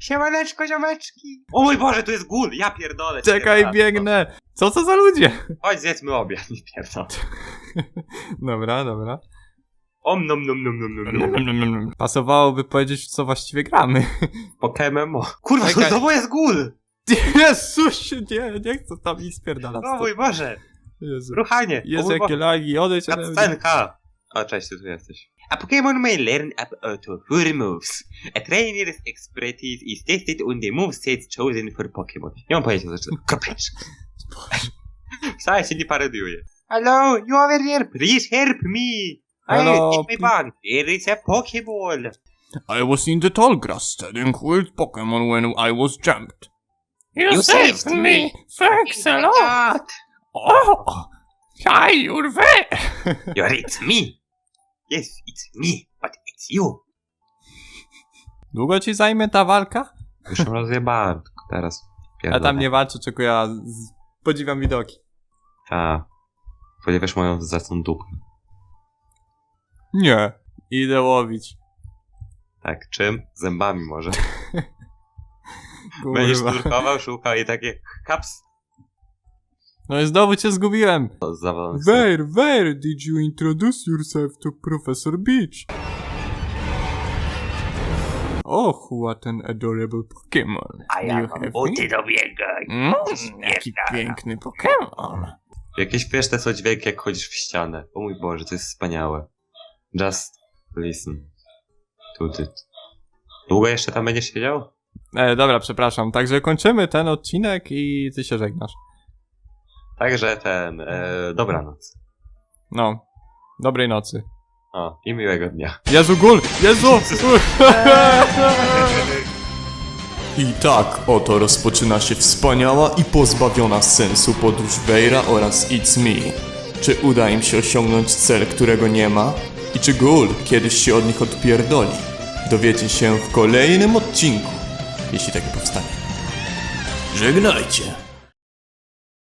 Siemaneczko, ziomeczki. O mój Boże, tu jest gul, ja pierdolę. Czekaj, biegnę. Co to za ludzie? Chodź, zjedzmy obiad, nie pierdolę. Dobra. Om nom nom nom nom nom nom. Pasowałoby powiedzieć, w co właściwie gramy. Pokemon. Kurwa, tu Czekaj. znowu jest gul. Jezusie, nie chcę tam nic spierdalać. O mój Boże. Jezu. Ruchanie. Jezu, jakie lagi, odejdź ode mnie. Cutscenka. O, cześć, ty tu jesteś. A Pokémon may learn up to 4 moves. A trainer's expertise is tested on the movesets chosen for Pokémon. Nie mam pojęcia, co to kopesz. Wcale się nie parodiuje. Hello, you over here, please help me. Hello, Take my band. Here is a Pokéball. I was in the tall grass studying with Pokémon when I was jumped. You saved me. Thanks a lot! God. Oh! Hi, Urwe! It's me. Yes, it's me, but it's you. Długo ci zajmie ta walka? Już ją rozjebałem, tylko teraz. Ja tam nie walczę, tylko ja podziwiam widoki. Ta. Ponieważ moją zacną dupę. Nie. Idę łowić. Tak, czym? Zębami może. Będziesz nurkował, szukał i takie kaps. No i znowu cię zgubiłem. Zawalony. Where did you introduce yourself to Professor Beach? Oh, what an adorable Pokémon. do biega. Jaki piękny Pokémon. Jakieś śmieszne są dźwięki, jak chodzisz w ścianę. O mój Boże, to jest wspaniałe. Just listen to it. Długo jeszcze tam będziesz siedział? Dobra, przepraszam. Także kończymy ten odcinek i ty się żegnasz. Także dobranoc. No. Dobrej nocy. O, i miłego dnia. Jezu, gul! Jezu! I tak oto rozpoczyna się wspaniała i pozbawiona sensu podróż Weira oraz It's Me. Czy uda im się osiągnąć cel, którego nie ma? I czy Gul kiedyś się od nich odpierdoli? Dowiecie się w kolejnym odcinku, jeśli taki powstanie. Żegnajcie!